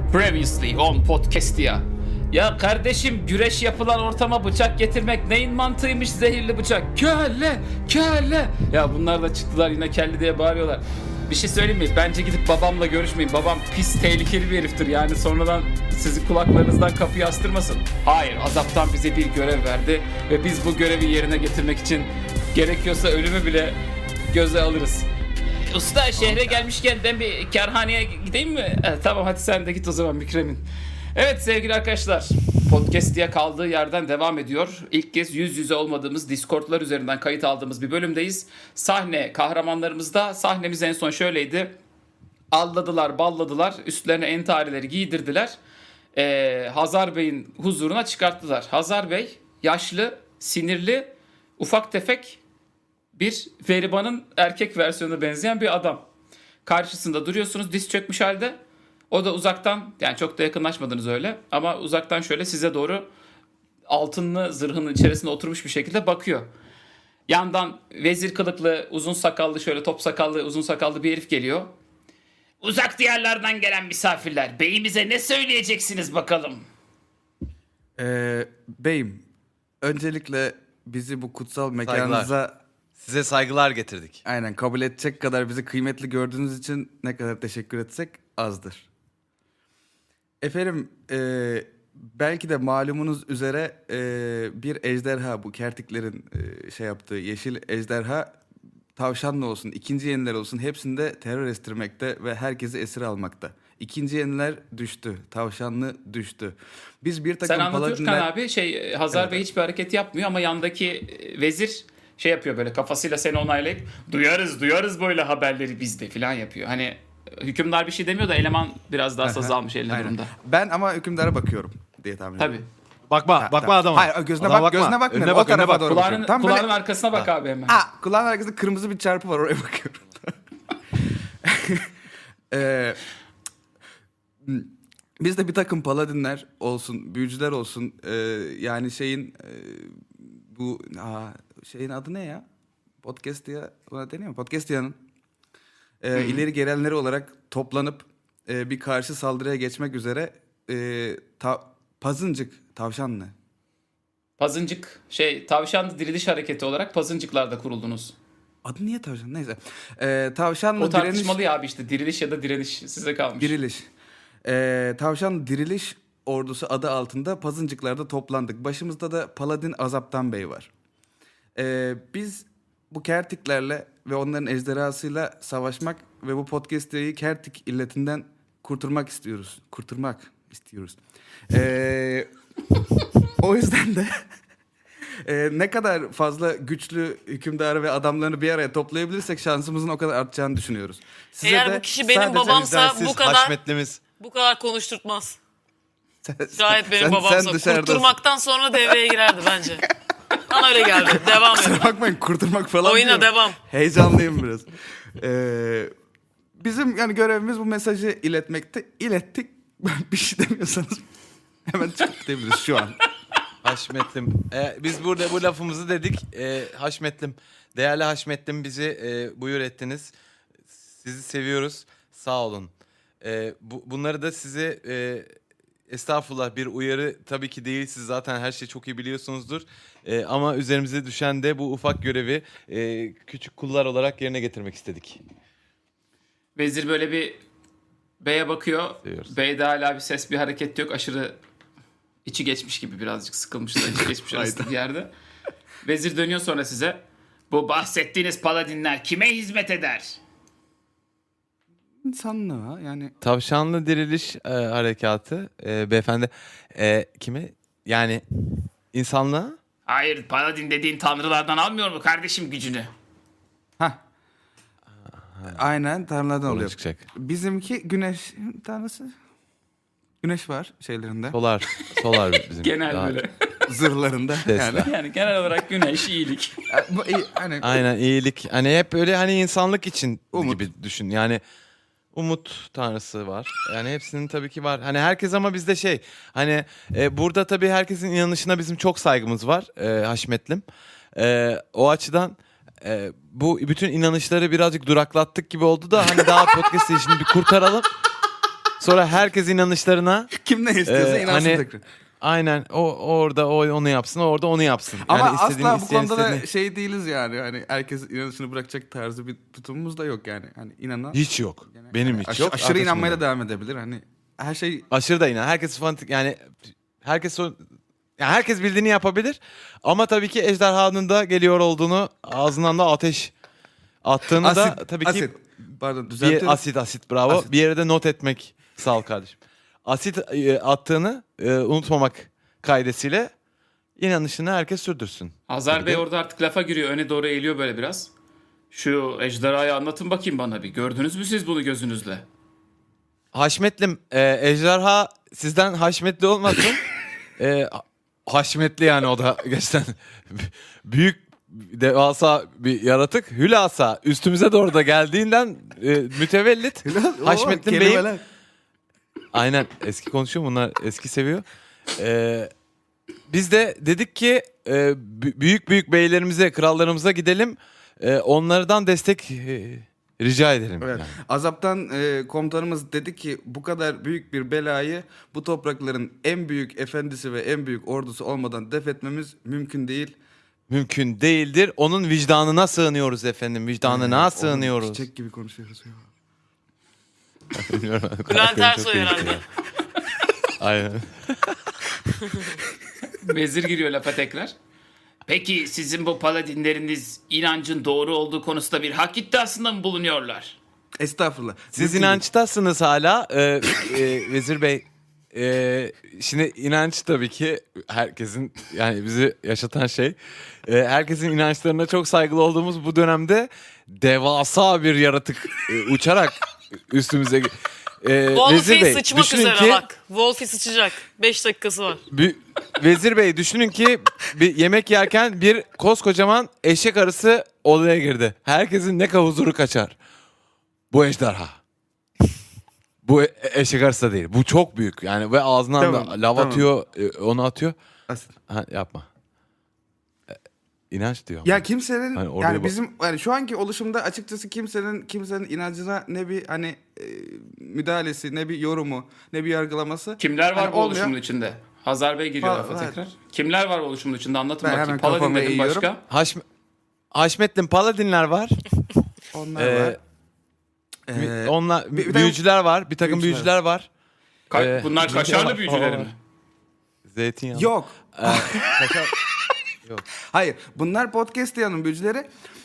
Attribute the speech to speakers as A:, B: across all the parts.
A: Previously on podcast ya. Ya kardeşim, güreş yapılan ortama bıçak getirmek neyin mantığıymış, zehirli bıçak. Kelle, kelle. Ya bunlar da çıktılar yine kelli diye bağırıyorlar. Bir şey söyleyeyim mi? Bence gidip babamla görüşmeyin. Babam pis, tehlikeli bir heriftir. Yani sonradan sizi kulaklarınızdan kapıyı astırmasın. Hayır, azaptan bize bir görev verdi. Ve biz bu görevi yerine getirmek için gerekiyorsa ölümü bile göze alırız. Usta, şehre gelmişken ben bir kerhaneye gideyim mi? Tamam, hadi sen de git o zaman Mükremin. Evet sevgili arkadaşlar, podcast diye kaldığı yerden devam ediyor. İlk kez yüz yüze olmadığımız Discord'lar üzerinden kayıt aldığımız bir bölümdeyiz. Sahne kahramanlarımızda, sahnemiz en son şöyleydi. Alladılar, balladılar, üstlerine entarileri giydirdiler. Hazar Bey'in huzuruna çıkarttılar. Hazar Bey yaşlı, sinirli, ufak tefek bir Veriban'ın erkek versiyonuna benzeyen bir adam. Karşısında duruyorsunuz diz çökmüş halde. O da uzaktan, yani çok da yakınlaşmadınız öyle, ama uzaktan şöyle size doğru altınlı zırhının içerisinde oturmuş bir şekilde bakıyor. Yandan vezir kılıklı, uzun sakallı, şöyle top sakallı, uzun sakallı bir herif geliyor. Uzak diyarlardan gelen misafirler, beyimize ne söyleyeceksiniz bakalım?
B: Beyim, öncelikle bizi bu kutsal mekanınıza
C: Size saygılar getirdik.
B: aynen kabul edecek kadar bizi kıymetli gördüğünüz için ne kadar teşekkür etsek azdır. Efendim, belki de malumunuz üzere bir ejderha, bu kertiklerin şey yaptığı yeşil ejderha, tavşanlı olsun, ikinci yeniler olsun hepsinde terör estirmekte ve herkesi esir almakta. İkinci yeniler düştü, tavşanlı düştü. Biz bir takım
A: Sen anlatıyorsun
B: paladinler...
A: abi, Hazar Bey hiçbir hareket yapmıyor ama yandaki vezir şey yapıyor, böyle kafasıyla seni onaylayıp duyarız böyle haberleri bizde falan yapıyor. Hani hükümdar bir şey demiyor da eleman biraz daha saz almış eline
B: Aynen.
A: durumda.
B: Ben ama hükümdara bakıyorum diye tahmin ediyorum.
A: Tabii.
C: Bakma
B: Tamam.
C: adama.
B: Hayır, gözüne
C: Adama
B: bak, gözüne bakmıyorum.
C: Önüne
B: O
C: bak, önüne
B: tarafa
C: bak.
B: doğru bakıyorum. Tam böyle-
A: Kulağının arkasına bak abi hemen.
B: Kulağın arkasında kırmızı bir çarpı var, oraya bakıyorum. Ee, Biz de bir takım paladinler olsun, büyücüler olsun, yani bu şeyin adı ne ya? Podcast diye buna deniyor mu? Podcast diye'nin ileri gelenleri olarak toplanıp bir karşı saldırıya geçmek üzere tavşanlı.
A: Pazıncık tavşan diriliş hareketi olarak pazıncıklarda kuruldunuz.
B: Adı niye tavşan? Neyse. Tavşanlı
A: O tartışmalı ya abi, işte diriliş ya da direniş size kalmış.
B: Diriliş. Tavşan Diriliş Ordusu adı altında pazıncıklarda toplandık. Başımızda da Paladin Azaptan Bey var. Biz bu kertiklerle ve onların ejderhasıyla savaşmak ve bu podcast'ı kertik illetinden kurtulmak istiyoruz. O yüzden de ne kadar fazla güçlü hükümdarı ve adamlarını bir araya toplayabilirsek şansımızın o kadar artacağını düşünüyoruz. Size
D: Eğer
B: de
D: bu kişi benim
B: sadece-
D: babamsa
C: Siz
D: bu kadar
C: haşmetlimiz.
D: bu kadar konuşturtmaz. Şayet benim
B: sen
D: babamsa
B: dışarıdasın.
D: kurtulmaktan sonra devreye girerdi bence. Bana öyle geldi. Devam edin.
B: Kusura bakmayın, kurtulmak falan
D: Oyuna
B: diyorum.
D: devam.
B: Heyecanlıyım biraz. Bizim yani görevimiz bu mesajı iletmekte. İlettik. Bir şey demiyorsanız hemen çıkıp gidebiliriz şu an.
C: Haşmetlim. Biz burada bu lafımızı dedik. Haşmetlim. Değerli Haşmetlim, bizi buyur ettiniz. Sizi seviyoruz. Sağ olun. Bunları da size estağfurullah bir uyarı tabii ki değil. Siz zaten her şeyi çok iyi biliyorsunuzdur. Ama üzerimize düşen de bu ufak görevi küçük kullar olarak yerine getirmek istedik.
A: Vezir böyle bir beye bakıyor.
C: Seviyoruz.
A: Beyde hala bir ses, bir hareket yok. Aşırı içi geçmiş gibi, birazcık sıkılmış da içi geçmiş arasında bir yerde. Vezir dönüyor sonra size. Bu bahsettiğiniz paladinler kime hizmet eder?
B: İnsanlığa yani.
C: Tavşanlı diriliş harekatı beyefendi. Kime? Yani insanlığa?
A: Hayır, paladin dediğin tanrılardan almıyor mu kardeşim gücünü?
B: Aynen tanrılardan
C: Doğru
B: oluyor.
C: çıkacak.
B: Bizimki güneş tanrısı. Güneş var şeylerinde.
C: Solar bizim.
A: Genel
C: Daha-
A: böyle.
B: Zırhlarında.
C: Tesla.
B: Yani.
A: Yani genel olarak güneş, iyilik.
B: Bu iyi, hani
C: Aynen, iyilik. Hani hep öyle, hani insanlık için
B: Umut.
C: gibi düşün. Yani umut tanrısı var. Yani hepsinin tabii ki var. Hani herkes, ama bizde hani burada tabii herkesin inanışına bizim çok saygımız var Haşmetlim. O açıdan bu bütün inanışları birazcık duraklattık gibi oldu da hani daha podcast işini bir kurtaralım. Sonra herkes inanışlarına
B: Kim ne istiyorsa inansın
C: hani
B: tekrar.
C: aynen orada onu yapsın, orada onu yapsın.
B: Ama
C: Yani istediğini
B: asla bu
C: isteyen
B: konuda da
C: istediğini-
B: şey değiliz yani. Hani herkes inanışını bırakacak tarzı bir tutumumuz da yok yani. Hani inanan
C: hiç yok. Benim hiç yok.
B: aşırı
C: Arkadaşım
B: inanmaya
C: da
B: da devam edebilir. Hani her şey
C: aşırı da inan. Herkes fanatik yani herkes yani herkes bildiğini yapabilir. Ama tabii ki ejderhanın da geliyor olduğunu, ağzından da ateş attığını da tabii ki
B: asit. Pardon düzeltiyorum.
C: bir asit bravo.
B: Asit.
C: Bir yere de not etmek sağ ol kardeşim. Asit attığını unutmamak kaidesiyle inanışını herkes sürdürsün.
A: Hazar
C: Bir
A: Bey
C: de-
A: orada artık lafa giriyor. Öne doğru eğiliyor böyle biraz. Şu ejderhayı anlatın bakayım bana bir. Gördünüz mü siz bunu gözünüzle?
C: Haşmetlim, ejderha sizden haşmetli olmasın. Haşmetli yani o da gerçekten büyük devasa bir yaratık. Hülasa üstümüze doğru da geldiğinden mütevellit.
B: Oo,
C: Haşmettin Bey'im.
B: kelimeler.
C: Aynen eski konuşuyor bunlar eski seviyor. Biz de dedik ki büyük beylerimize krallarımıza gidelim. Onlardan destek rica edelim.
B: Evet.
C: Yani.
B: Azap'tan komutanımız dedi ki bu kadar büyük bir belayı bu toprakların en büyük efendisi ve en büyük ordusu olmadan def etmemiz mümkün değil.
C: Mümkün değildir. Onun vicdanına sığınıyoruz efendim. Vicdanına
B: Oğlum,
C: sığınıyoruz.
B: Çiçek gibi konuşuyoruz ya.
D: Bülent Ersoy herhalde.
C: Aynen.
A: Vezir giriyor lafa tekrar. Peki sizin bu paladinleriniz inancın doğru olduğu konusunda bir hak iddiasında mı bulunuyorlar?
B: Estağfurullah.
C: Siz
B: Mümkün değil.
C: inançtasınız hala. Vezir Bey. Şimdi inanç tabii ki herkesin yani bizi yaşatan şey. Herkesin inançlarına çok saygılı olduğumuz bu dönemde devasa bir yaratık uçarak üstümüze.
D: Wolfie sıçmak
C: düşünün
D: üzere
C: ki
D: bak. Wolfie sıçacak. 5 dakikası var.
C: Vezir Bey düşünün ki bir yemek yerken bir koskocaman eşek arısı odaya girdi. Herkesin ne huzuru kaçar. Bu ejderha. Bu eşek arısı da değil. Bu çok büyük. Yani ve ağzından
B: Tamam,
C: da lav
B: tamam.
C: atıyor, onu atıyor.
B: Asit.
C: Ha, yapma. İnanç diyor.
B: Ya kimsenin
C: Hani oraya
B: yani
C: bak-
B: bizim yani şu anki oluşumda açıkçası kimsenin inancına ne bir hani müdahalesi, ne bir yorumu, ne bir yargılaması.
A: Kimler var
B: Hani
A: bu
B: olmuyor.
A: oluşumun içinde? Hazar Bey giriyor
B: Va-
A: lafa
B: evet.
A: tekrar. Kimler var bu oluşumun içinde anlatın
B: Ben
A: bakayım.
B: hemen
A: Paladin
B: kafamı
A: dedim
B: eğiyorum.
A: başka.
C: Haşmettin Paladinler var.
B: Onlar
C: Ee,
B: var.
C: Onlar
B: bir de-
C: büyücüler var. Bir takım
B: Büyücüler.
C: büyücüler var.
A: Bunlar kaşarlı büyücüler mi?
C: Zeytinyağı.
B: Yok.
C: Kaşar-
B: Hayır. Bunlar podcast yanın büyücüleri.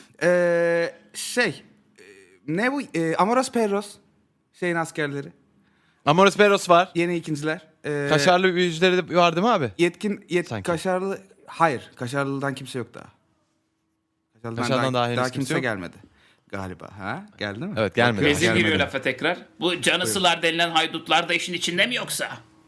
B: Ne bu? Amoros Perros. Şeyin askerleri.
C: Amoros Peros var.
B: Yeni ikinciler.
C: Kaşarlı büyücüleri de var değil mi abi?
B: Yetkin
C: Sanki.
B: kaşarlı. Hayır. Kaşarlı'dan kimse yok daha.
C: Kaşarlı'dan daha henüz
B: daha
C: kimse
B: kimse
C: yok.
B: gelmedi. Galiba. Ha? Geldi mi?
C: Evet, gelmedi.
A: Vezir
C: Gelmedi.
A: giriyor lafa tekrar. Bu canısılar denilen haydutlar da işin içinde mi yoksa?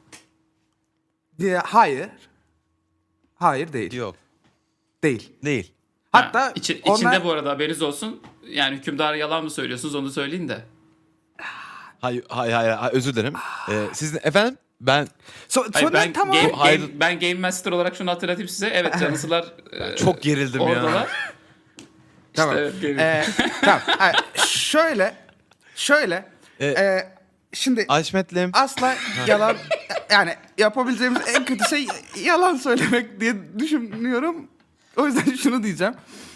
B: Hayır. Hayır değil.
C: Yok.
B: Değil.
C: Değil.
B: Hatta
A: Ha, içinde bu arada haberiniz olsun. Yani hükümdara yalan mı söylüyorsunuz onu söyleyin de.
C: Hayır, özür dilerim. Siz efendim ben
A: Hayır,
B: Sonra
A: ben,
B: tamam.
A: ben Game Master olarak şunu hatırlatayım size. Evet canısılar
C: çok gerildim ya.
A: oradalar.
B: Tamam.
A: Evet, geliyor.
B: Tamam. Şöyle. Şimdi
C: Haşmetlim.
B: asla yalan yani yapabileceğimiz en kötü şey yalan söylemek diye düşünüyorum. O yüzden şunu diyeceğim.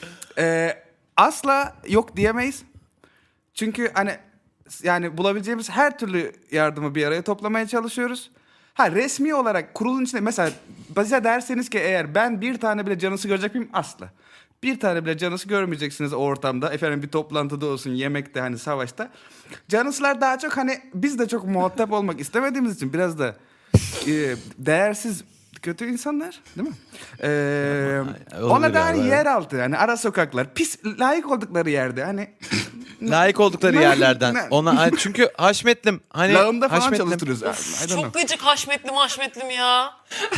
B: Asla yok diyemeyiz. Çünkü hani yani bulabileceğimiz her türlü yardımı bir araya toplamaya çalışıyoruz. Ha resmi olarak kurulun içinde mesela bize derseniz ki eğer ben bir tane bile canısı görecek miyim? Asla. Bir tane bile canısı görmeyeceksiniz o ortamda. Efendim bir toplantıda olsun, yemekte hani savaşta. Canısılar daha çok hani biz de çok muhatap olmak istemediğimiz için biraz da değersiz kötü insanlar değil mi?
C: Olabilir
B: Ona da hani
C: yani.
B: yer altı yani ara sokaklar pis layık oldukları yerde hani
C: Layık oldukları yerlerden. Ona çünkü Haşmetlim hani
B: lağımda falan
C: Haşmetlim-
B: çalıştırıyoruz. I don't
D: Çok
B: know.
D: gıcık haşmetlim ya.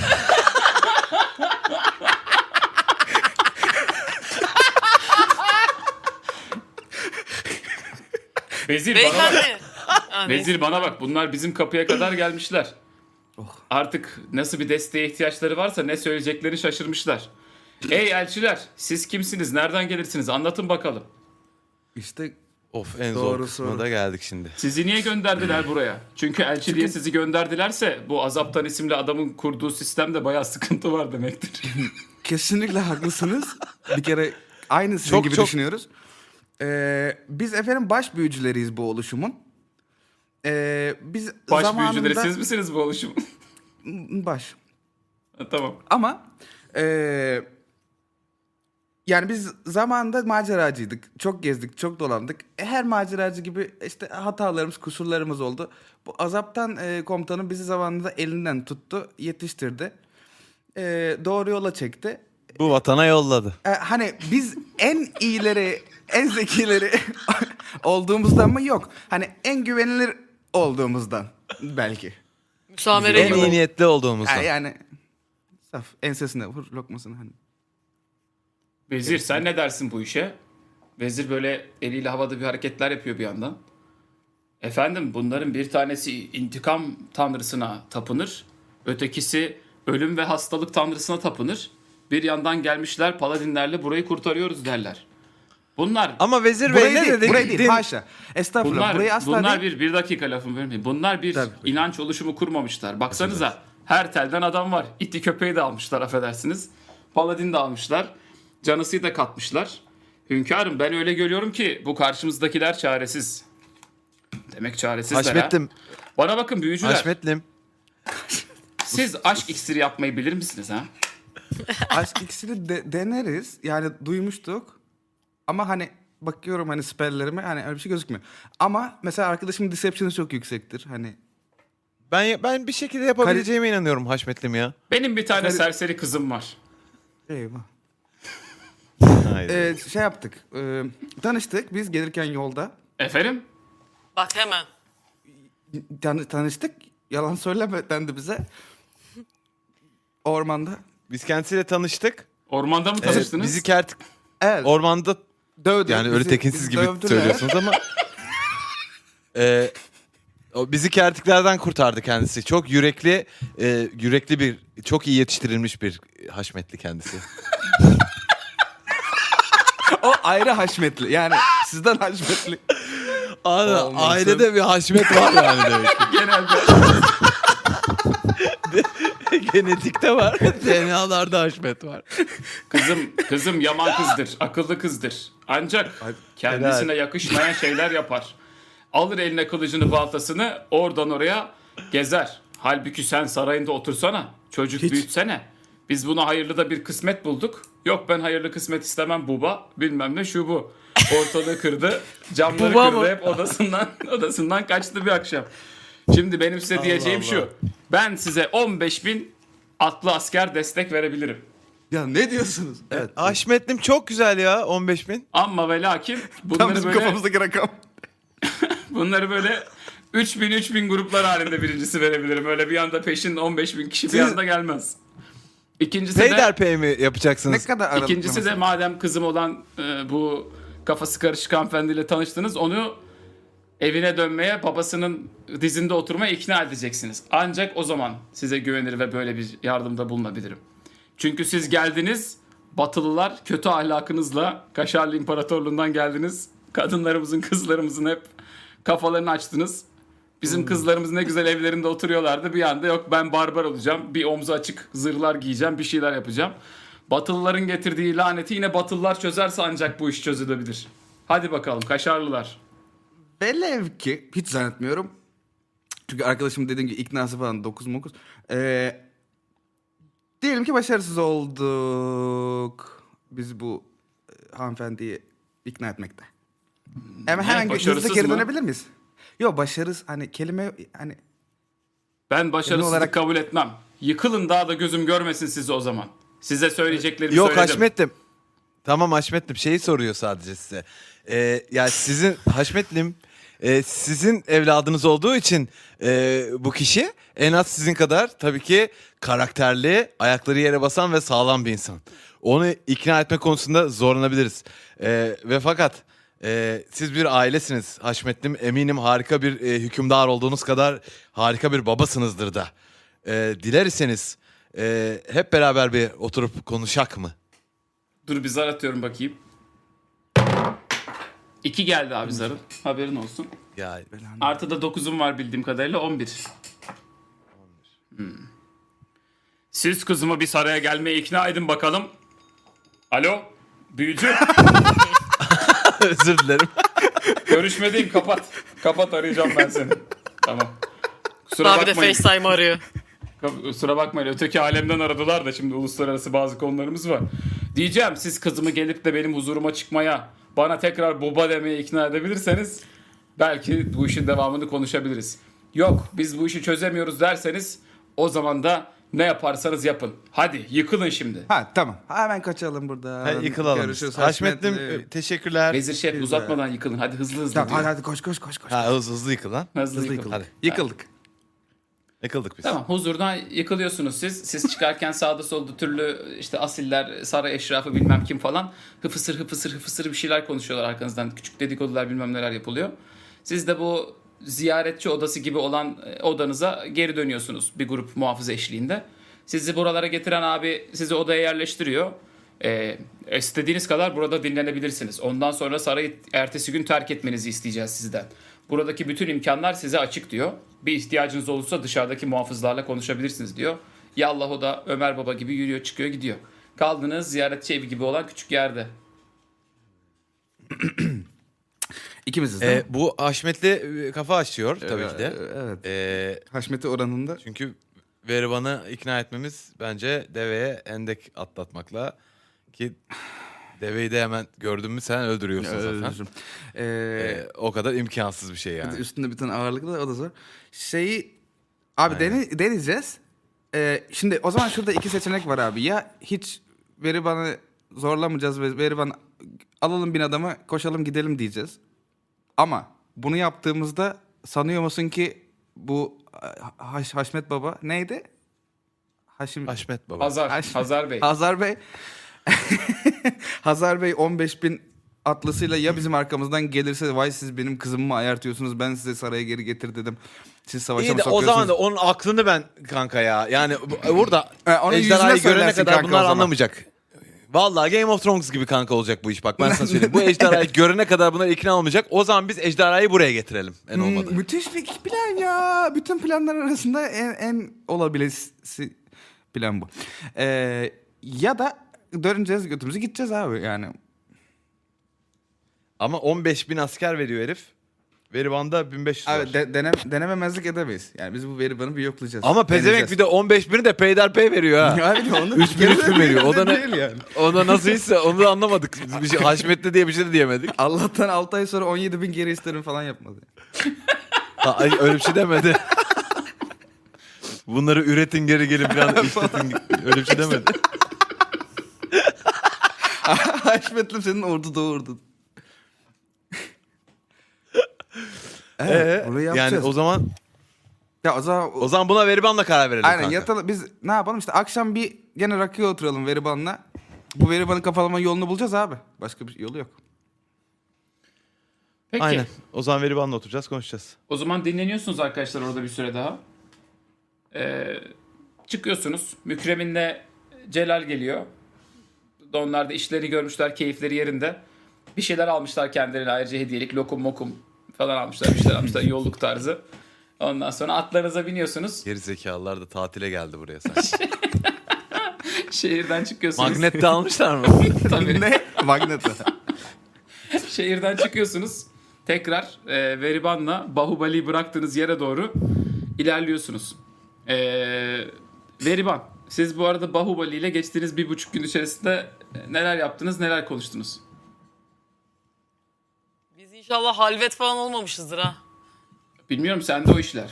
A: Vezir bana bak.
D: Beyefendi. Ha, neyse.
A: Vezir bana bak. Bunlar bizim kapıya kadar gelmişler. Artık nasıl bir desteğe ihtiyaçları varsa ne söyleyeceklerini şaşırmışlar. Ey elçiler siz kimsiniz? Nereden gelirsiniz? Anlatın bakalım.
B: İşte
C: Of en
B: Doğru
C: zor kısmına
B: soru.
C: da geldik şimdi.
A: Sizi niye gönderdiler buraya? Çünkü elçi diye sizi gönderdilerse bu Azaptan isimli adamın kurduğu sistemde bayağı sıkıntı var demektir.
B: Kesinlikle haklısınız. Bir kere aynı sizin
C: Çok,
B: gibi
C: çok.
B: düşünüyoruz. Biz efendim baş büyücüleriyiz bu oluşumun. Biz
A: Baş
B: zamanında...
A: büyücüleri siz misiniz bu oluşum?
B: Baş.
A: Tamam.
B: Ama yani biz zamanında maceracıydık. Çok gezdik, çok dolandık. Her maceracı gibi işte hatalarımız, kusurlarımız oldu. Bu Azaptan komutanım bizi zamanında elinden tuttu, yetiştirdi. Doğru yola çekti.
C: Bu vatana yolladı.
B: Hani biz en iyileri, en zekileri olduğumuzdan mı? Yok. Hani en güvenilir olduğumuzdan belki.
D: Müsamere
C: En iyi
D: gibi.
C: niyetli olduğumuzdan.
B: Yani saf ensesine vur lokmasını hani.
A: Vezir sen ne dersin bu işe? Vezir böyle eliyle havada bir hareketler yapıyor bir yandan. Efendim bunların bir tanesi intikam tanrısına tapınır. Ötekisi ölüm ve hastalık tanrısına tapınır. Bir yandan gelmişler paladinlerle burayı kurtarıyoruz derler. Bunlar
C: Ama Vezir Bey
B: Burayı
C: ne
B: değil,
C: dedi?
B: burayı değil,
C: Din-
B: haşa. Estağfurullah, burayı asla
A: bunlar
B: değil.
A: bir dakika lafımı vermeyin. Bunlar bir
B: Tabii.
A: inanç oluşumu kurmamışlar. Baksanıza her telden adam var. İti köpeği de almışlar affedersiniz. Paladin de almışlar. Canısıyı da katmışlar. Hünkârım ben öyle görüyorum ki bu karşımızdakiler çaresiz. Demek çaresizler
C: Haşmetlim.
A: ha. Bana bakın büyücüler.
C: Haşmetlim.
A: Siz aşk iksiri yapmayı bilir misiniz ha?
B: Aşk iksiri deneriz. Yani duymuştuk. Ama hani bakıyorum hani spelllerime hani öyle bir şey gözükmüyor. Ama mesela arkadaşımın deception'ı çok yüksektir. Hani
C: Ben bir şekilde yapabileceğime inanıyorum Haşmetlim ya.
A: Benim bir tane
B: Kari-
A: serseri kızım var.
B: eyvah.
C: Haydi.
B: Şey yaptık. Tanıştık biz gelirken yolda.
A: Efendim?
D: Bak hemen.
B: Tanıştık. Yalan söyleme dendi bize. Ormanda.
C: Biz kendisiyle tanıştık.
A: Ormanda mı
C: Evet,
A: tanıştınız?
C: bizi kertik.
B: Evet.
C: Ormanda
B: Dövdü.
C: yani öyle
B: Bizi-
C: tekinsiz
B: bizi
C: gibi
B: dövdüler.
C: söylüyorsunuz ama o bizi kertiklerden kurtardı kendisi. Çok yürekli bir, çok iyi yetiştirilmiş bir Haşmetli kendisi.
B: O ayrı haşmetli. Yani sizden haşmetli. Olmasın.
C: Ailede bir Haşmet var yani demek ki.
A: Genelde.
C: Genetikte var. DNA'larda Haşmet var.
A: Kızım yaman kızdır, akıllı kızdır. Ancak kendisine yakışmayan şeyler yapar. Alır eline kılıcını, baltasını, oradan oraya gezer. Halbuki sen sarayında otursana, çocuk büyütsene. Biz buna hayırlı da bir kısmet bulduk. Yok ben hayırlı kısmet istemem buba, bilmem ne şu bu. Ortalığı kırdı, camları
D: Buba
A: kırdı,
D: mı?
A: hep odasından kaçtı bir akşam. Şimdi benim size diyeceğim şu. Ben size 15.000 atlı asker destek verebilirim.
B: Ya ne diyorsunuz? Evet.
C: Haşmetlim çok güzel ya 15.000.
A: Ama ve lakin
B: Tam
A: bunları
B: bizim
A: böyle,
B: kafamızdaki rakam.
A: bunları böyle 3000 gruplar halinde birincisi verebilirim. Öyle bir anda peşin 15.000 kişi bir anda gelmez. İkincisi de
C: Peyderpey mi
B: Ne
C: yapacaksınız?
B: kadar aralıklı
A: ikincisi de
B: mesela?
A: madem kızım olan bu kafası karışık hanımefendiyle tanıştınız, onu evine dönmeye, babasının dizinde oturmaya ikna edeceksiniz. Ancak o zaman size güvenir ve böyle bir yardımda bulunabilirim. Çünkü siz geldiniz, Batılılar kötü ahlakınızla Kaşarlı İmparatorluğundan geldiniz. Kadınlarımızın, kızlarımızın hep kafalarını açtınız. Bizim kızlarımız ne güzel evlerinde oturuyorlardı. Bir anda yok ben barbar olacağım. Bir omzu açık zırhlar giyeceğim, bir şeyler yapacağım. Batılıların getirdiği laneti yine Batılılar çözerse ancak bu iş çözülebilir. Hadi bakalım Kaşarlılar.
B: Velev ki hiç zannetmiyorum. Çünkü arkadaşım dediğim gibi iknası falan 9. Diyelim ki başarısız olduk. Biz bu hanımefendiyi ikna etmekte. Hemen hızlı
A: başarısız
B: geri
A: mı?
B: dönebilir miyiz? Yok başarısız hani kelime hani
A: Ben başarısızlık
B: olarak-
A: kabul etmem. Yıkılın daha da gözüm görmesin sizi o zaman. Size söyleyeceklerimi
C: Yok
A: söyledim.
C: Haşmetlim. Tamam Haşmetlim şeyi soruyor sadece size. Ya sizin Haşmetlim sizin evladınız olduğu için bu kişi en az sizin kadar tabii ki karakterli, ayakları yere basan ve sağlam bir insan. Onu ikna etme konusunda zorlanabiliriz. Ve fakat siz bir ailesiniz Haşmetlim. Eminim harika bir hükümdar olduğunuz kadar harika bir babasınızdır da. Diler iseniz hep beraber bir oturup konuşak mı?
A: Dur bir zar atıyorum bakayım. 2 geldi abi zarın. Haberin olsun.
C: Ya
A: Artı da 9'um var bildiğim kadarıyla 11. Siz kızımı bir saraya gelmeye ikna edin bakalım. Alo büyücü.
C: özür dilerim.
A: Görüşmediğim kapat. Kapat arayacağım ben seni. Tamam. Kusura
D: Abi de
A: bakmayın.
D: FaceTime arıyor.
A: Kusura bakmayın. Öteki alemden aradılar da şimdi uluslararası bazı konularımız var. Diyeceğim siz kızımı gelip de benim huzuruma çıkmaya, bana tekrar baba demeye ikna edebilirseniz belki bu işin devamını konuşabiliriz. Yok biz bu işi çözemiyoruz derseniz o zaman da ne yaparsanız yapın. Hadi yıkılın şimdi.
B: Ha tamam. Hemen kaçalım buradan.
C: Yıkılalım.
B: Görüşürüz.
C: Haşmetlim teşekkürler.
A: Vezir şef uzatmadan yıkılın. Hadi hızlı hızlı.
B: Tamam
A: diyor.
B: hadi koş.
C: Ha hızlı yıkıl lan.
A: Hızlı
B: Hızlı
A: yıkıl.
B: yıkıldık.
C: Hadi.
B: Yıkıldık.
C: Yıkıldık biz.
A: Tamam huzurdan yıkılıyorsunuz siz. Siz çıkarken sağda solda türlü işte asiller, saray eşrafı bilmem kim falan hıfısır bir şeyler konuşuyorlar arkanızdan. Küçük dedikodular bilmem neler yapılıyor. Siz de bu ziyaretçi odası gibi olan odanıza geri dönüyorsunuz bir grup muhafız eşliğinde. Sizi buralara getiren abi sizi odaya yerleştiriyor. İstediğiniz kadar burada dinlenebilirsiniz. Ondan sonra sarayı ertesi gün terk etmenizi isteyeceğiz sizden. Buradaki bütün imkanlar size açık diyor. Bir ihtiyacınız olursa dışarıdaki muhafızlarla konuşabilirsiniz diyor. Yallah o da Ömer Baba gibi yürüyor çıkıyor gidiyor. Kaldığınız ziyaretçi evi gibi olan küçük yerde.
B: İkimiziz değil mi?
C: Bu Haşmetli kafa açıyor tabii ki de.
B: Evet. Haşmeti oranında.
C: Çünkü Veriban'ı ikna etmemiz bence deveye endek atlatmakla ki deveyi de hemen gördün mü sen öldürüyorsun zaten.
B: Özür.
C: O kadar imkansız bir şey yani.
B: Üstünde bir tane ağırlıklı o da zor. Abi deneyeceğiz. Şimdi o zaman şurada iki seçenek var abi. Ya hiç Veriban'ı zorlamayacağız ve Veriban alalım bin adamı koşalım gidelim diyeceğiz. Ama bunu yaptığımızda sanıyor musun ki bu Haşmet Baba neydi?
C: Haşmet Baba.
A: Hazar Bey.
B: Hazar Bey. Hazar Bey 15.000 atlısıyla ya bizim arkamızdan gelirse vay siz benim kızımı mı ayartıyorsunuz ben size saraya geri getir dedim. Siz savaşa
C: İyi
B: mı
C: de o
B: sokuyorsunuz?
C: zaman da onun aklını ben kanka ya. Yani burada
B: Onu yüzüne
C: ejderhayı görene
B: söylersin
C: kadar
B: kanka o
C: bunlar
B: zaman.
C: anlamayacak. Vallahi Game of Thrones gibi kanka olacak bu iş bak ben sana söyleyeyim. Bu ejderhayı görene kadar bunlar ikna olmayacak. O zaman biz ejderhayı buraya getirelim en olmadı.
B: Müthiş bir plan ya. Bütün planlar arasında en olabilesi plan bu. Ya da döneceğiz götümüzü gideceğiz abi yani.
C: Ama 15.000 asker veriyor herif. Veriban'da 1500 var.
B: Abi denememezlik edemeyiz. Yani biz bu Veriban'ı bir yoklayacağız.
C: Ama pezevenk bir de 15.000'i de peyderpey veriyor ha.
B: Abi de onu
C: 3.000 veriyor. O da ne?
B: Değil yani.
C: O da nasılsa onu da anlamadık. Bir şey, Haşmetli diye bir şey de diyemedik.
B: Allah'tan 6 ay sonra 17.000 geri isterim falan yapmadı.
C: Ay, öyle bir şey demedi. Bunları üretin geri gelin falan işletin. Öyle bir şey demedi.
B: Haşmetlim senin ordu doğurdu. Burayı yapacağız.
C: Yani o zaman
B: Ya o zaman
C: buna Veriban'la karar verelim
B: aynen
C: kanka.
B: yatalım. Biz ne yapalım işte akşam bir gene rakıya oturalım Veriban'la. Bu Veriban'ı kafalama yolunu bulacağız abi. Başka bir yolu yok.
A: Peki.
C: Aynen. O zaman Veriban'la oturacağız konuşacağız.
A: O zaman dinleniyorsunuz arkadaşlar orada bir süre daha. Çıkıyorsunuz. Mükremin'le Celal geliyor. Onlar da işleri görmüşler, keyifleri yerinde. Bir şeyler almışlar kendilerine ayrıca hediyelik. Lokum mokum falan almışlar. Bir şeyler almışlar yolluk tarzı. Ondan sonra atlarınıza biniyorsunuz.
C: Geri zekalılar da tatile geldi buraya sanki.
A: Şehirden çıkıyorsunuz.
C: Magnet de almışlar mı?
A: Tabii.
B: Ne? Magneto.
A: Şehirden çıkıyorsunuz. Tekrar Veriban'la Bahubali'yi bıraktığınız yere doğru ilerliyorsunuz. Veriban, siz bu arada Bahubali ile geçtiğiniz 1,5 gün içerisinde neler yaptınız, neler konuştunuz?
D: Biz inşallah halvet falan olmamışızdır ha.
A: Bilmiyorum, sende o işler.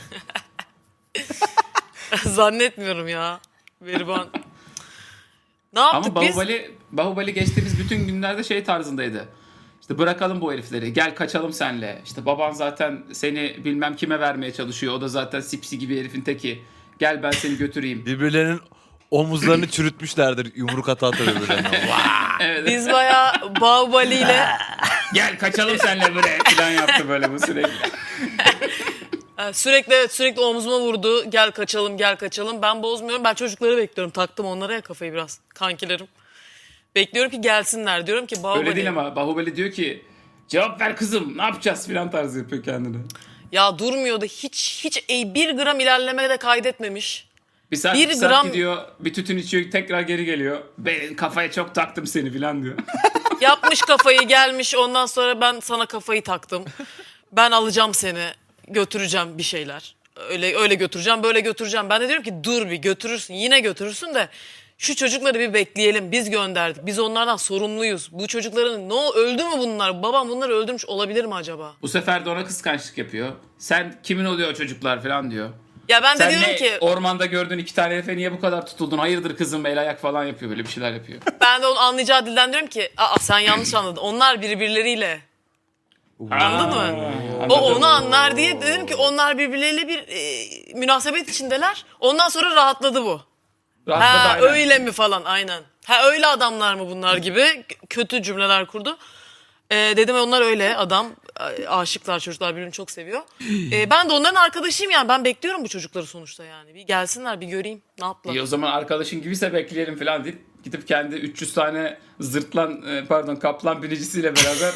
D: Zannetmiyorum ya. Veriban. Ne yaptık
A: Ama
D: biz?
A: Bahubali geçtiğimiz bütün günlerde şey tarzındaydı. İşte bırakalım bu herifleri, gel kaçalım senle. İşte baban zaten seni bilmem kime vermeye çalışıyor. O da zaten sipsi gibi herifin teki. Gel ben seni götüreyim.
C: Birbirlerinin omuzlarını çürütmüşlerdir yumruk ata ata birbirlerine.
A: Evet.
D: Biz bayağı Bahubali ile
A: Gel kaçalım senle buraya falan yaptı böyle bu sürekli.
D: sürekli omzuma vurdu. Gel kaçalım, gel kaçalım. Ben bozmuyorum. Ben çocukları bekliyorum. Taktım onlara ya kafayı biraz. Kankilerim. Bekliyorum ki gelsinler. Diyorum ki Bahubali.
A: Öyle değil ama Bahubali diyor ki Cevap ver kızım ne yapacağız filan tarzı yapıyor kendini.
D: Ya durmuyordu. Hiç bir gram ilerleme de kaydetmemiş.
A: Bir saat,
D: Bir
A: bir saat
D: gram-
A: gidiyor, bir tütün içiyor, tekrar geri geliyor. Ben kafaya çok taktım seni filan diyor.
D: Yapmış kafayı, gelmiş, ondan sonra ben sana kafayı taktım. Ben alacağım seni, götüreceğim bir şeyler. Öyle götüreceğim, böyle götüreceğim. Ben de diyorum ki dur bir götürürsün, yine götürürsün de şu çocukları bir bekleyelim. Biz gönderdik. Biz onlardan sorumluyuz. Bu çocukların öldü mü bunlar? Babam bunları öldürmüş olabilir mi acaba?
A: Bu sefer de ona kıskançlık yapıyor. Sen kimin oluyor o çocuklar filan diyor.
D: Ya ben de
A: Sen
D: diyorum
A: ne
D: ki
A: ormanda gördüğün 2 tane herife niye bu kadar tutuldun? Hayırdır kızım el ayak falan yapıyor böyle bir şeyler yapıyor.
D: ben de onu anlayacağı dilden diyorum ki sen yanlış anladın. Onlar birbirleriyle. Anladın mı? O onu anlar diye dedim ki onlar birbirleriyle bir münasebet içindeler. Ondan sonra rahatladı bu.
A: Rahatladı
D: Ha
A: aynen.
D: öyle mi falan aynen. Ha öyle adamlar mı bunlar gibi kötü cümleler kurdu. Dedim onlar öyle adam. Aşıklar çocuklar birbirini çok seviyor. Ben de onların arkadaşıyım yani. Ben bekliyorum bu çocukları sonuçta yani. Bir gelsinler bir göreyim ne yaptılar.
A: İyi o zaman arkadaşın gibiyse bekleyelim falan deyip gidip kendi 300 tane kaplan binicisiyle beraber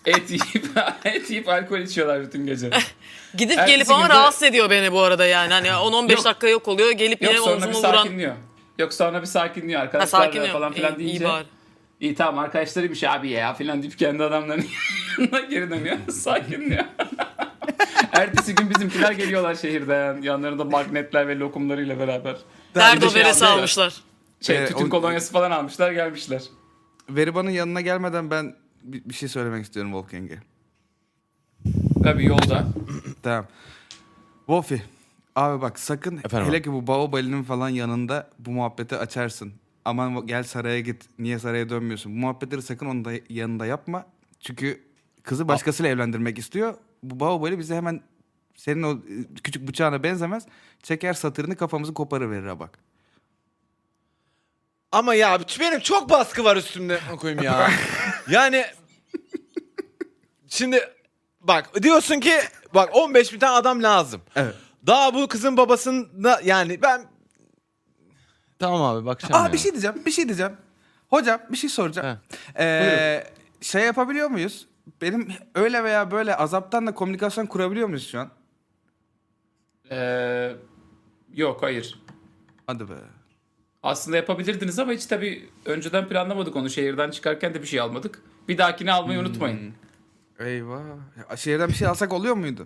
A: et yiyip alkol içiyorlar bütün gece.
D: Gidip
A: ertesi
D: gelip ama
A: günde-
D: rahatsız ediyor beni bu arada yani. Hani 10-15
A: Yok.
D: dakika yok oluyor. Gelip
A: Yok
D: yine
A: sonra bir
D: omzumu vuran.
A: sakinliyor. Yok sonra bir sakinliyor
D: Ha,
A: arkadaşlar
D: sakinliyor.
A: falan filan
D: İyi
A: deyince.
D: bari.
A: İyi tamam arkadaşlarıymış abi ya filan deyip kendi adamlarının yanına geri dönüyor. Sakinliyor. Ertesi gün bizimkiler geliyorlar şehirden. Yanlarında magnetler ve lokumlarıyla beraber.
D: Derdo
A: Bir de şey
D: beresi
A: almışlar.
D: almışlar.
A: Tütün kolonyası falan almışlar gelmişler.
B: Veriban'ın yanına gelmeden ben bir şey söylemek istiyorum Wolfgang'e.
A: Tabii yolda.
B: Tamam. Wolfie. Abi bak sakın
C: Efendim
B: hele
C: abi?
B: ki bu Baobali'nin falan yanında bu muhabbeti açarsın. Aman gel saraya git. Niye saraya dönmüyorsun? Bu muhabbetleri sakın onun da yanında yapma. Çünkü kızı başkasıyla evlendirmek istiyor. Bu Baobali bize hemen senin o küçük bıçağına benzemez. Çeker satırını kafamızı koparıverir ha bak.
C: Ama ya benim çok baskı var üstümde koyayım ya. Yani şimdi bak diyorsun ki bak 15 bin tane adam lazım.
B: Evet.
C: Daha bu kızın babasında yani ben tamam abi bakacağım
B: Aa
C: ya.
B: bir şey diyeceğim. Hocam bir şey soracağım. Şey yapabiliyor muyuz? Benim öyle veya böyle azaptan da komünikasyon kurabiliyor muyuz şu an?
A: Yok hayır.
B: Hadi be.
A: Aslında yapabilirdiniz ama hiç tabii önceden planlamadık onu. Şehirden çıkarken de bir şey almadık. Bir dahakini almayı unutmayın.
B: Eyvah. Ya, şehirden bir şey alsak oluyor muydu?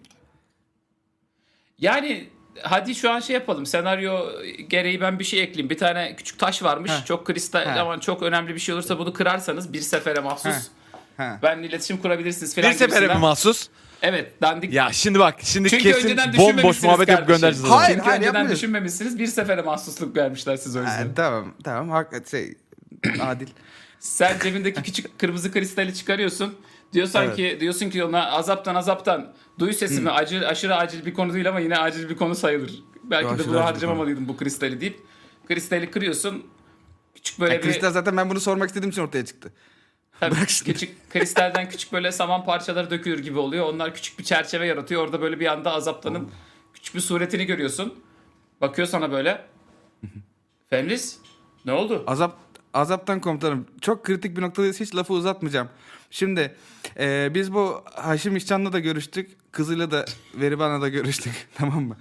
A: Yani hadi şu an şey yapalım. Senaryo gereği ben bir şey ekleyeyim. Bir tane küçük taş varmış.
B: Heh.
A: Çok kristal
B: Heh.
A: ama çok önemli bir şey olursa bunu kırarsanız bir sefere mahsus.
B: He.
A: Benimle iletişim kurabilirsiniz falan
C: Bir sefere mi
A: gibisinden.
C: mahsus?
A: Evet dandik.
C: Ya şimdi bak şimdi
A: Çünkü
C: kesin
A: önceden
C: bomboş
A: düşünmemişsiniz
C: muhabbet yapıp
A: kardeşim.
C: göndereceğiz.
B: Hayır,
A: Çünkü önceden
B: yapmıyoruz.
A: düşünmemişsiniz. Bir sefere mahsusluk vermişler size o yüzden.
B: Tamam. Adil.
A: Sen cebindeki küçük kırmızı kristali çıkarıyorsun. Diyorsun ki ona azaptan duy sesimi aşırı acil bir konu değil ama yine acil bir konu sayılır. Belki
B: Aşırı
A: de bunu
B: acil bir
A: harcamamalıydım bu kristali deyip kristali kırıyorsun. Küçük böyle bir
B: Kristal zaten ben bunu sormak istediğim için ortaya çıktı.
A: tabii,
B: bırak şimdi.
A: küçük kristalden küçük böyle saman parçaları dökülür gibi oluyor. Onlar küçük bir çerçeve yaratıyor. Orada böyle bir anda azaptanın küçük bir suretini görüyorsun. Bakıyor sana böyle. Fenris ne oldu?
B: Azaptan komutanım. Çok kritik bir noktadayız. Hiç lafı uzatmayacağım. Şimdi biz bu Haşim İşcan'la da görüştük. Kızıyla da Veriban'la da görüştük. Tamam mı?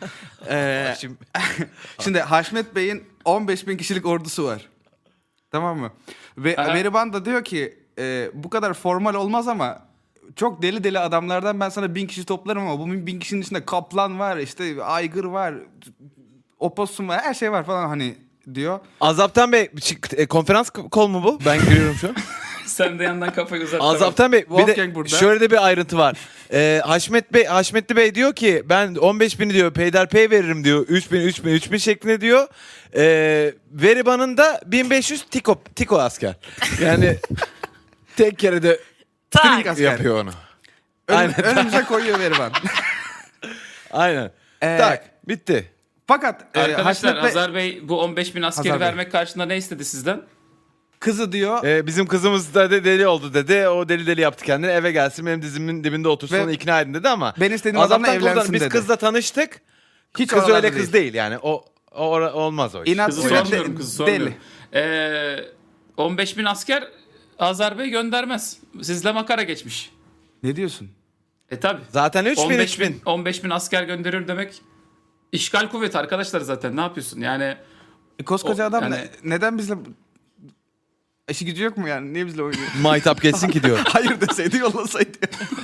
B: Şimdi Haşmet Bey'in 15.000 kişilik ordusu var. Tamam mı? Ve
A: Aha.
B: Veriban da diyor ki bu kadar formal olmaz ama çok deli adamlardan ben sana 1000 kişi toplarım ama bu 1000 kişinin içinde kaplan var, işte aygır var, opossum var, her şey var falan hani diyor.
C: Azaptan Bey konferans kol mu bu? Ben giriyorum şu an.
A: Sen de yandan kafayı uzat.
C: Azaptan Bey bir
B: Wolfgang
C: de
B: burada.
C: şöyle de bir ayrıntı var. Haşmetli Bey diyor ki ben 15.000'i diyor peyderpey veririm diyor. 3.000 şeklinde diyor. Veriban'ın da 1500 tiko asker. Yani tek kere de
D: Tak.
B: asker.
C: yapıyor onu. Aynen.
B: Önümüze koyuyor Veriban.
C: Aynen.
B: Ee,
C: Tak bitti.
B: Fakat
A: Arkadaşlar
B: Haşmet Bey
A: Hazar Bey bu 15.000 askeri
B: Hazar Bey.
A: vermek karşılığında ne istedi sizden?
B: kızı diyor
C: Bizim kızımız da deli oldu dedi. O deli yaptı kendini. Eve gelsin benim dizimin dibinde otursun
B: Ve
C: onu ikna edin dedi ama.
B: ben istediğim adamla
C: Azaptan
B: evlensin
C: kurtarın. Biz
B: dedi.
C: kızla tanıştık.
B: hiç
C: Kız
B: oralarda
C: öyle kız değil yani. O olmaz o iş.
B: İnat
A: Kızı
B: Sinat
A: sormuyorum
B: de-
A: kızı sormuyorum. 15.000 asker Hazar Bey göndermez. Sizle makara geçmiş.
B: Ne diyorsun?
A: Tabi.
C: Zaten 3000
A: 15 bin,
C: 3000.
A: 15 bin asker gönderiyor demek işgal kuvveti arkadaşlar zaten. Ne yapıyorsun? Yani
B: Koskoca
A: O-
B: adam
A: yani-
B: neden bizle... İşi gücü yok mu yani? Niye bizle oynuyor?
C: Maytap geçsin ki diyor.
B: Hayır deseydi yollasaydı.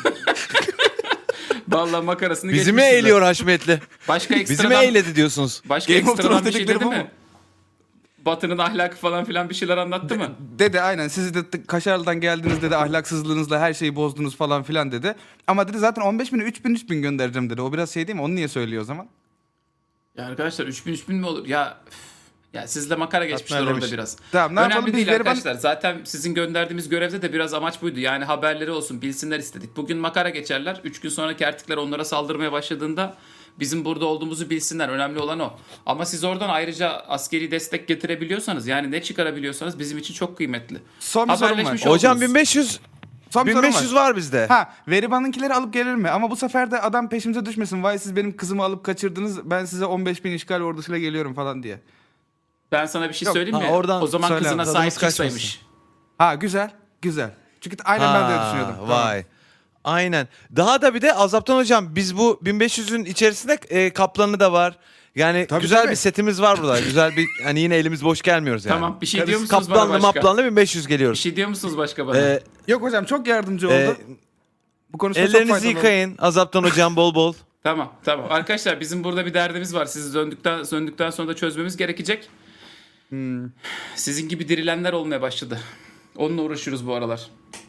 A: vallahi makarasını
C: Bizi mi
A: geçmişsiniz.
C: eğliyor Haşmetli?
A: Başka
C: Bizi mi
A: ekstradan,
C: eğledi diyorsunuz?
A: başka
B: Game of
A: ekstradan
B: Thrones
A: bir şey
B: dedikleri
A: dedi
B: bu
A: mi?
B: mu?
A: Batı'nın ahlakı falan filan bir şeyler anlattı mı?
B: Dedi aynen, siz de Kaşarlı'dan geldiniz dedi, ahlaksızlığınızla her şeyi bozdunuz falan filan dedi. Ama dedi zaten 15 bini 3 bin göndereceğim dedi. O biraz şey değil mi? Onu niye söylüyor o zaman?
A: Ya arkadaşlar 3000 mi olur? Ya ya sizle makara geçmişler orada
C: Katmerlemiş.
A: biraz.
B: Tamam, ne
A: Önemli
B: yapalım, biz
A: değil
B: Veriban-
A: arkadaşlar. Zaten sizin gönderdiğimiz görevde de biraz amaç buydu. Yani haberleri olsun, bilsinler istedik. Bugün makara geçerler. 3 gün sonraki erkekler onlara saldırmaya başladığında bizim burada olduğumuzu bilsinler. Önemli olan o. Ama siz oradan ayrıca askeri destek getirebiliyorsanız, yani ne çıkarabiliyorsanız bizim için çok kıymetli.
B: Son bir sorum var.
A: Haberleşmiş
C: Hocam
A: oldunuz.
C: 1500
B: Son bir sorum
C: 1500 var bizde.
B: Ha, Veriban'ınkileri alıp gelir mi? Ama bu sefer de adam peşimize düşmesin. Vay siz benim kızımı alıp kaçırdınız, ben size 15 bin işgal ordusuyla geliyorum falan diye.
A: Ben sana bir şey
B: Yok,
A: söyleyeyim mi?
C: ha, oradan
A: O zaman
B: söyle
A: kızına
B: abi,
A: sahip
C: tadımız
A: çıksaymış.
B: Ha güzel, güzel. Çünkü aynen ben de öyle
C: Ha,
B: düşünüyordum.
C: Vay. Aynen. Daha da bir de Azaptan hocam biz bu 1500'ün içerisinde kaplanı da var. Yani
B: Tabii,
C: güzel
B: tabii.
C: bir setimiz var burada. Güzel bir hani yine elimiz boş gelmiyoruz yani.
A: Tamam, bir şey diyor musunuz bana
C: Kaplanlı
A: başka?
C: maplanlı 1500
A: Bir
C: geliyoruz.
A: şey diyor musunuz başka bana?
B: Yok hocam, çok yardımcı oldu.
C: Ee,
B: Bu konuşma çok
C: Ellerinizi
B: faydalı oldu.
C: yıkayın. Azaptan hocam bol bol.
A: Tamam. Arkadaşlar bizim burada bir derdimiz var. Sizi döndükten sonra da çözmemiz gerekecek. Sizin gibi dirilenler olmaya başladı. Onunla uğraşıyoruz bu aralar.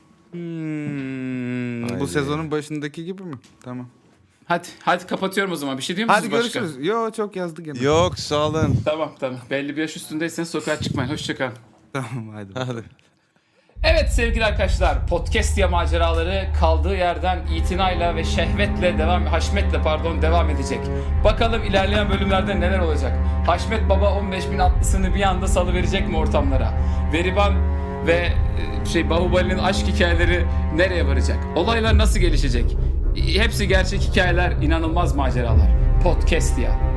B: Bu
C: Haydi.
B: sezonun başındaki gibi mi? Tamam.
A: Hadi kapatıyorum o zaman. Bir şey diyor musunuz
B: Hadi
A: başka?
B: görüşürüz. Yo, çok yazdı gene.
C: Yok sağ olun.
A: Tamam. Belli bir yaş üstündeyseniz sokağa çıkmayın. Hoşçakalın.
B: Tamam hadi.
C: Hadi.
A: Evet sevgili arkadaşlar, Podcastia maceraları kaldığı yerden itinayla ve haşmetle devam edecek. Bakalım ilerleyen bölümlerde neler olacak? Haşmet Baba 15.000 atlısını bir anda salıverecek mi ortamlara? Veriban ve Bahubali'nin aşk hikayeleri nereye varacak? Olaylar nasıl gelişecek? Hepsi gerçek hikayeler, inanılmaz maceralar. Podcastia.